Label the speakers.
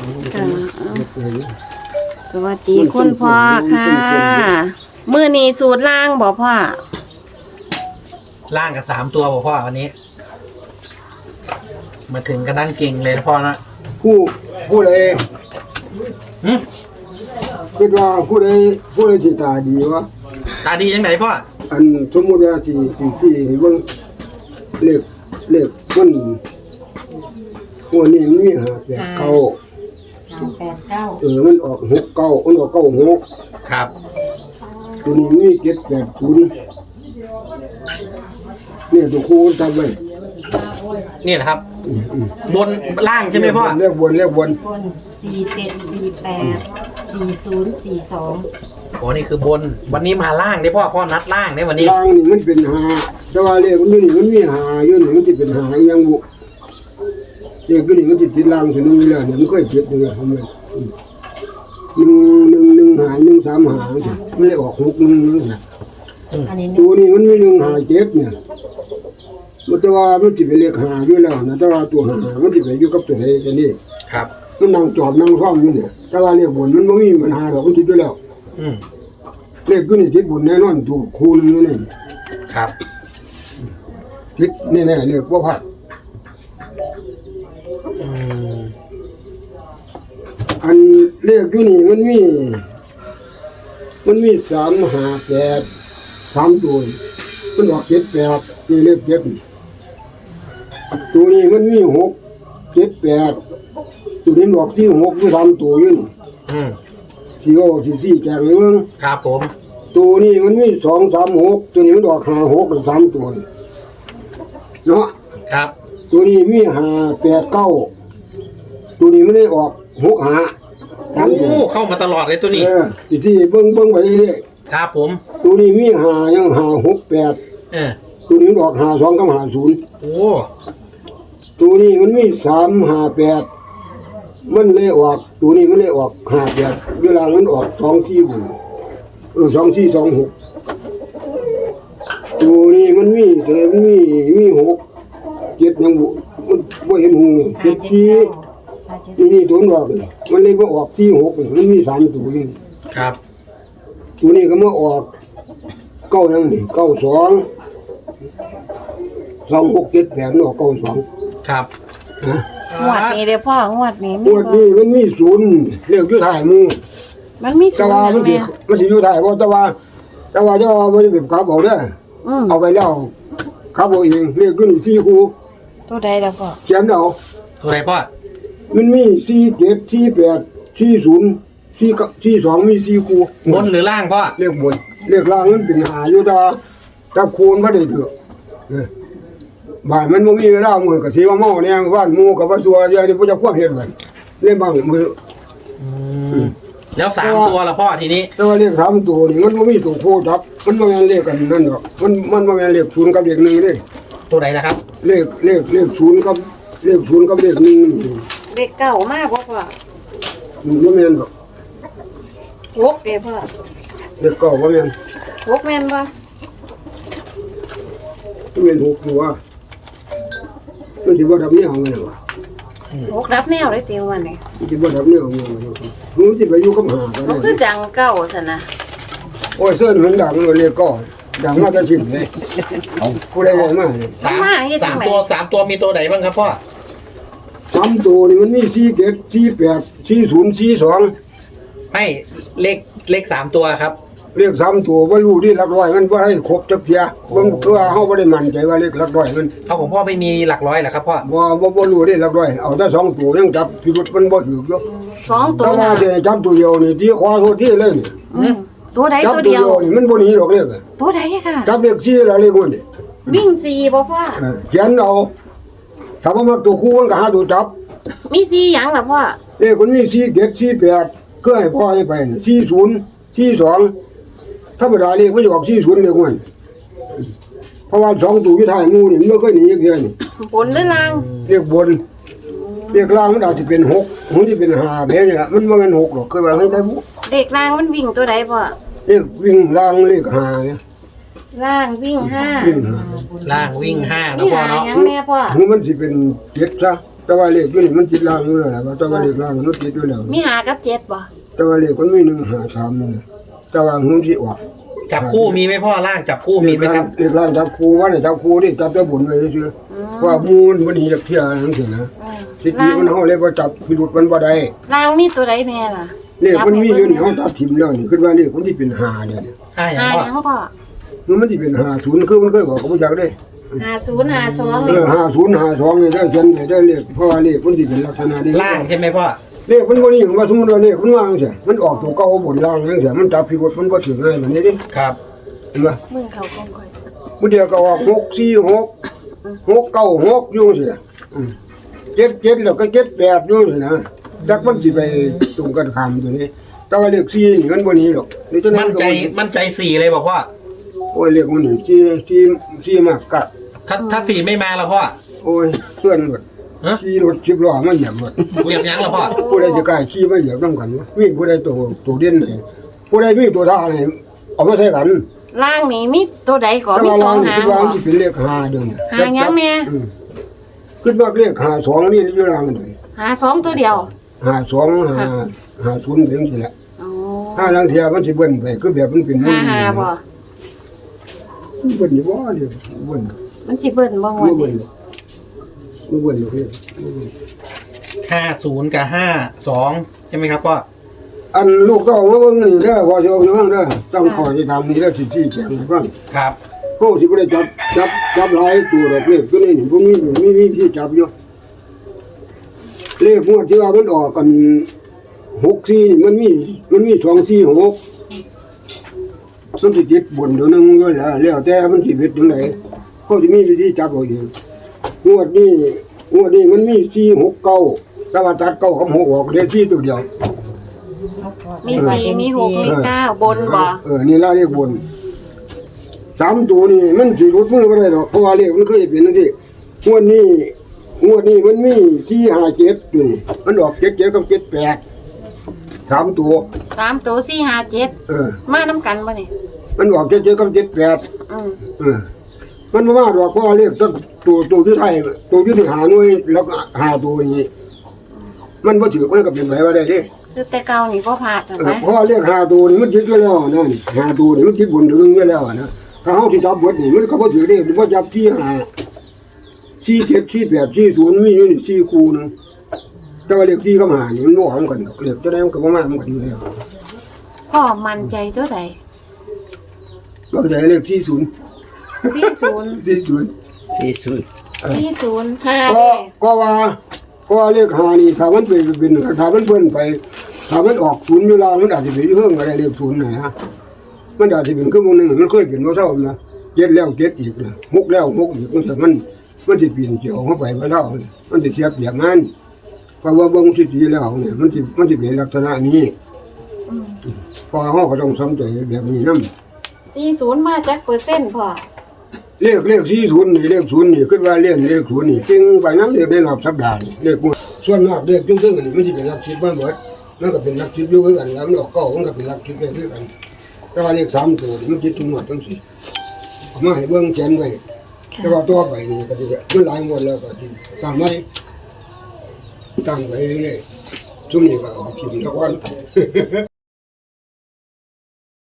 Speaker 1: ค่ะสวัสดีคุณพ่อค่ะมื้อนี้สูตรล่างบ่พ่อ
Speaker 2: ล่างกับ3 ตัวพ่อวันนี้ มาถึงก็นั่งเก่งเลยนะพ่อนะ
Speaker 3: ผู้ใด
Speaker 2: หึ
Speaker 3: คิดว่าผู้ใดที่ตาดีวะ
Speaker 2: ตาดียังไงพ่อ
Speaker 3: อันสมมุติว่าที่เบิ่งเลขมันหัวนี้มันมีหาแปดเก้า
Speaker 4: 8 9
Speaker 3: มันออก6 9มันออก9 6
Speaker 2: ครับ
Speaker 3: ตัวนี้มี7 8 0เนี่ยตัวคู่จำไว้
Speaker 2: นี่แหละครับ บนล่างใช่ไหมพ่อ
Speaker 3: เลขบน
Speaker 4: บน47 48 40 42
Speaker 2: โอ้นี่คือบน วันนี้มาล่างได้พ่อนัดล่างได้วันนี้
Speaker 3: ล่างนี่มันเป็นหาแต่ว่าเลขมันนี่มันมีหาอยู่นี่มันสิเป็นหาอีหยังบุเลขตัวนี้มันสิติดล่างถึงนึงแล้วเนี่ยมันเคยเจ็บอยู่แล้วทำไม1 หา1 3 หาไม่ได้ออก6 1 นะ
Speaker 4: อันนี้
Speaker 3: ตัวนี้มันมี1 หา7เนี่ยมันแต่ว่ามันสิเป็นเลขหาอยู่แล้วนะแต่ว่าตัวหามันสิไปอยู่กับตัวใดกันนี่
Speaker 2: ครับ
Speaker 3: มันนั่งจอบนั่งซ่อมอยู่เนี่ยแต่ว่าเลขบนมันบ่มีปัญหาดอกมันติดอยู่แล้ว
Speaker 2: อืม
Speaker 3: เลขตัวนี้ติดบนแน่นอนตัวคูณอยู่นี่
Speaker 2: ครับ
Speaker 3: ติดแน่ๆเลขบ่พลาด
Speaker 2: อืม
Speaker 3: อันเลขอยู่นี่มันมี3 5 8 3ตัวมันออก7 8นี่เลข7ตัวนี้มันมี6 7 8ตัวนี้ออก4 6อยู่3ตัวอยู่นี่
Speaker 2: อืม
Speaker 3: 4 6 4 4แจกให้เบิ่ง
Speaker 2: ครับผม
Speaker 3: ตัวนี้มันมี2 3 6ตัวนี้มันออก5 6แล้ว3ตัวนี่เนาะ
Speaker 2: ครับ
Speaker 3: ตัวนี้มี5 8 9ตัวนี้ไม่ได้ออก6 5 3ตัว
Speaker 2: โอ้เข้ามาตลอดเลยตัวนี้
Speaker 3: ที่เบิ่งไปเรื่อย
Speaker 2: ครับผม
Speaker 3: ตัวนี้มี5ยัง5 6 8
Speaker 2: เออ
Speaker 3: ตัวนี้ออก52กับ50
Speaker 2: โอ้
Speaker 3: ตัวนี้มันมี3 5 8มันเลยออกตัวนี้มันเลยออก5 8เวลามันออก2 4บุญ2 4 2 6ตัวนี้มันมีตัวนี้มันมี6 7ยังมันบ่เห็นหู7 4นี่ตัวออกมันเลยบ่ออก4 6มันมี3ตัวนี่
Speaker 2: ครับ
Speaker 3: ตัวนี้ก็มาออก9ยังนี่9 2 2 6 7 8ออก9 2
Speaker 2: ครับ
Speaker 1: งวดนี้เด้อพ่องวดนี้
Speaker 3: งวดนี้มันมีศูนย์เรียกอยู่ถ่ายมือ
Speaker 1: มันมีสู
Speaker 3: แต่
Speaker 1: ตร
Speaker 3: ว่า
Speaker 1: หยั
Speaker 3: มัน
Speaker 1: ง
Speaker 3: สิ
Speaker 1: แม่
Speaker 3: มันสิอยู่ถ่ายบ่แต่ว่าจะเอาบ่ได้แบบขับเอาเด้อ เอาไปแล้วขับเอาเองเรียกอยู่นี่4คู่
Speaker 1: ตัวใดล่ะพ่อ
Speaker 3: เขียนเอา
Speaker 2: ตัวไหนพ่อ
Speaker 3: มันมี4 7 4 8 4 0 4 2มี4คู่
Speaker 2: บนหรือล่างพ่อ
Speaker 3: เรียกบนเรียกล่างมันเป็นหาอยู่แต่คูณบ่ได้เถอะบ่ายมันบ่มีเวลามื้อก็สิว่าเมาแน่บ้านหมู่ก็บ่ซัวเดี๋ยวนี้บ่จะควบเฮ็ดไว้เล่นบ้างมือ
Speaker 2: แล้ว3 ตัวละพ่อทีนี้
Speaker 3: แต่ว่าเลข3ตัวนี่มันบ่มีตัวโคจับมันบ่แม่นเลขกันนั่นดอกมันบ่แม่นเลข0กับเลข1เด้
Speaker 2: ตัวไหนนะครับ
Speaker 3: เลข0กับเลข0กับเลข1นี่
Speaker 1: เด็กเก่ามากบ่พ่อ
Speaker 3: มันบ่แม่นดอก
Speaker 1: หกเด้อพ่อ
Speaker 3: เลขเก้าบ่แม่น
Speaker 1: หกแม่นบ่
Speaker 3: มันเป็น6ตัวมันสิบ่ดับแนวแม่นว่ะ
Speaker 1: หกรับแนวได้ติงวันนี้
Speaker 3: มันสิบ่ดับแนวแม่นมันสิไปอยู่กับหาก็
Speaker 1: มันคื
Speaker 3: ได้
Speaker 1: อดังเก่าซั่นนะ
Speaker 3: โอ้ยเสื้อมันดังเลยเลขเก้าดังมาแต่ชิมเลยผู้ใดบอกมาเนี่ย
Speaker 2: สามตัวมีตัวไหนบ้างครับพ่อ
Speaker 3: 3ตัวนี่มันมี4 7 4 8 4 0 4 2
Speaker 2: ไม่เลข3 ตัวครับ
Speaker 3: เลข3ตัวบ่รู้ดิหลักร้อยมันบ่ให้ครบจักเที่ยเบิ่งเพื่อเฮาบ่ได้มั่นใจว่าเลขหลักร้อยมัน
Speaker 2: เอาของพ่อไม่มีหลักร้อยเหรอครับพ่อ
Speaker 3: บ่รู้ดิหลักร้อยเอาแต่2ตัวยังจับพิรุธมันบ่ถูกอยู่
Speaker 1: สองตัว
Speaker 3: แต่ว่า
Speaker 1: น่ะ
Speaker 3: สิจับตัวเดียวนี่ที่ขวาโทษที่เลยนี่
Speaker 1: ตัวใด
Speaker 3: จับ
Speaker 1: ตัว
Speaker 3: ตัว
Speaker 1: เดี
Speaker 3: เดี
Speaker 1: ย
Speaker 3: ยว วนี่มันบ่หนีดอกเลข
Speaker 1: ตัวใดค่ะ
Speaker 3: จับเลข4แล้วเลขมันนี่
Speaker 1: วิ่งสี่บ่พ่อ
Speaker 3: เขียนเอาถ้าบ่มักตัวคู่มันก็หาตัวจับ
Speaker 1: มีสี่หยังล่ะพ่อ
Speaker 3: เลขมันมี4 7 4 8คือให้พ่อให้ไปนี่40 42ธรรมดาเลขมันจะออก40เลขมันเพราะว่า2ตัวอยู่ท้ายหมู่นี่มันบ่เคยหนีจักเที่ยนี่
Speaker 1: บนหรือล่าง
Speaker 3: เรียกบนเรียกล่างมันอาจจะเป็น6มันที่เป็น5แบบนี้มันบ่แม่น6หรอกเคยว่าให้ได้บุ
Speaker 1: เด็กล่างมันวิ่งตัวใดพ่อ
Speaker 3: เรียกวิ่งล่างเรียก5เนี่ย
Speaker 1: ล่างวิ่งห้า
Speaker 3: วิ่ง
Speaker 2: ล่างวิ่ง5นะ
Speaker 1: นี่
Speaker 2: พ่อ
Speaker 1: หา
Speaker 2: เนาะ
Speaker 1: หยังแม่พ่อ
Speaker 3: 5มันสิเป็น7ซะแต่ว่าเลขอยู่นี่มันติดล่างอยู่แล้วแหละแต่ว่าเลขล่างมันติดอยู่แล้ว
Speaker 1: มีหากับเจ็ดบ่
Speaker 3: แต่ว่าเลขมันมี1 5 3นี่นะแต่ว่าหุ้นสิออก
Speaker 2: จับคู่มีไหมพ่อล่างจับคู่มีไหมครับ
Speaker 3: เลขล่างจับครูว่าเนี่ยจับครูนี่จับแต่บุญไว้ซื่อๆว่ามูลมันนี่จักเที่ยจังซี่นะสิทีมันเฮาเลยบ่จับพิรุธมันบ่ได้
Speaker 1: ล่างมีตัวใดแน่ล่ะ
Speaker 3: เลขมันมีอยู่นี่เฮาตัดทิ่มแล้วนี่คิดว่าเลขมันสิเป็น5เนี่ย
Speaker 2: ห้าอย่าง
Speaker 1: หา
Speaker 2: พ่อ
Speaker 1: หยังพ่อ
Speaker 3: คือมันสิเป็น50คือมันเคยบอกกับบ่จักเด้
Speaker 1: 50 52
Speaker 3: 50 52นี่ได้เขียนได้เลขเพราะว่าเลขมันสิเป็นลักษณะนี้
Speaker 2: ล่างใช่ไหมพ่อ
Speaker 3: เลขมันบ่นี่ว่าสมมุติว่าเลขมันวางจังซี่มันออกตัวเก่าบนล่างจังซี่มันจับพิรุธมันบ่ถึงง่ายแบบนี้ดิ
Speaker 2: ครับ
Speaker 3: เห็นบ่
Speaker 1: มือเขาคงค่อย
Speaker 3: มื้อเดียวก็ออก646 696อยู่จังซี่77แล้วก็78อยู่นี่นะจักมันสิไปตรงกันข้ามตัวนี้แต่ว่าเลข4นี่มันบ่หนีหรอกนี่จัง
Speaker 2: มั่นใจสี่เลยบอกพ่อ
Speaker 3: โอ้ยเลขมันนี่4มากกะ
Speaker 2: ถ้าสี่ไม่มาแล้วพ่อ
Speaker 3: โอ้ยเพื่อนหมด
Speaker 2: ฮะ
Speaker 3: ขี่รถ10ล้อมาเหยียบหมด
Speaker 2: เหยียบยั้งแล้วพ่อ
Speaker 3: ผู้ใดจะกล้าขี่มาเหยียบนำกันวะมีผู้ใดตัวเด่นให้ผู้ใดมีตัวท่าให้เอามาใช้กัน
Speaker 1: ล่างนี่มีตัวใดก่อน
Speaker 3: แต่
Speaker 1: มี
Speaker 3: ว่า
Speaker 1: สอ
Speaker 3: เรา
Speaker 1: งหาง
Speaker 3: คิดว่า
Speaker 1: บ่
Speaker 3: มันสิเป็นเลข5เด้อเนี่ย
Speaker 1: หาหยังแม่
Speaker 3: คิดว่าเลข52นี่อยู่ล่างนี่
Speaker 1: หา2ตัวเดียว
Speaker 3: 52 50เป็นสิแหละ
Speaker 1: อ๋อ
Speaker 3: ถ้าลางเที่ยมันสิเบิ่นไปคือแบบมันเป็น
Speaker 1: หาบ่
Speaker 3: เบิ่นอยู่บ่เด้เบิ่น
Speaker 1: มันสิเบิ่นบ่งว
Speaker 3: บ่
Speaker 1: ด
Speaker 3: เบิ่น
Speaker 1: นี้
Speaker 3: บ่เบิ่นเลย
Speaker 2: 50กับ52ใช่ไหมครับพ่อ
Speaker 3: อันลูกก็เอามาเบิ่งนี่เด้อพอสิเอาอยู่ฟังเด้อต้องขอสิทำนี่เด้อสิชี้แจงให้ฟัง
Speaker 2: ครับ
Speaker 3: โอ้สิบ่ได้จับหลายตัวดอกเลขตัวนี้นี่บ่มีที่จับอยู่เลขงวดที่ว่ามันออกกัน64นี่มันมี246มันสิติดบนเดี๋ยวนึงอยู่แล้วแต่มันสิเป็นจังไดเขาสิมีวิธีจับเอาเองงวดนี้มันมี469แต่ว่าตัดเก้ากับ6ออกได้ที่ตัวเดียว
Speaker 1: มี4มี6มี9บนบ่
Speaker 3: นี่ล่ะเลขบน3ตัวนี่มันสิรุดมือบ่ได้ดอกเพราะว่าเลขมันเคยเป็นจังซี่งวดนี้มันมี457อยู่นี่มันออก77กับ78 3ตัว
Speaker 1: 3ตัว4 5 7มานํกันบ่นี่
Speaker 3: มันออก77กับ78 มันบ่มาดอกเพราะว่าเลขสักตัวที่ไทยตัวที่หาหน่วยแล้วก็หาตัวนี้มันบ่ถือมันก็เป็นไปว่าได้เด้
Speaker 1: คือแต่เก่านี่บ่พลาดนะ
Speaker 3: เพราะว่าเลขหาตัวนี่มันคิดไว้แล้วนะนี่หาตัวนี่มันคิดบนถึงไว้แล้วนะถ้าเฮาสิจับเบิดนี่มันก็บ่ถือได้บ่จับที่หา47 48 40มีอยู่นี่4คู่นึงแต่ว่าเลข4กับ5นี่มันบ่ออกกันดอกเลขจะได้มันก็บ่มามันก็อยู่แล้ว
Speaker 1: พ่อมั่นใจตัวใด
Speaker 3: ก็ได้เลข40
Speaker 1: 40
Speaker 3: 40
Speaker 1: 40
Speaker 3: ก็ว่าเลข5นี่ถ้ามันเป็นถ้ามันเพิ่นไปถ้ามันออก0อยู่แล้วมันอาจสิเป็นเพิ่งก็ได้เลข0นะมันอาจสิเป็นคือมื้อนึงมันเคยเป็นบ่เท่านะ7แล้ว7อีกนะ6แล้ว6อีกมันสิเปลี่ยนเกี่ยวเข้าไปบ่เท่ามันสิเสียเปรียบงานเพราะว่าเบิ่งสิดีแล้วเนี่ยมันสิเป็นลักษณะนี้พอเฮาก็ต้องสนใจแบบนี้นำ
Speaker 1: 40มาจักเปอร์เซ็นต์พ่อ
Speaker 3: เลข40นี่เลข0นี่คิดว่าเลข0นี่เก่งไปนำเลขได้รอบสัปดาห์นี่เลขส่วนมากเลขซึ่งๆนี่มันสิเป็นหลัก10มาหมดมันก็เป็นหลัก10อยู่คือกันแล้วมันออกเก้ามันก็เป็นหลัก10ได้คือกันแต่ว่าเลข3ตัวนี่มันคิดถึงหมดจังซี่เอามาให้เบิ่งแจนไว้แต่ว่าตัวไปนี่ก็สิมันหลายหมดแล้วก็สิตั้งไว้ตั้งไว้เรื่อยๆซุมนี้ก็เอาไปทิ่มทุกวัน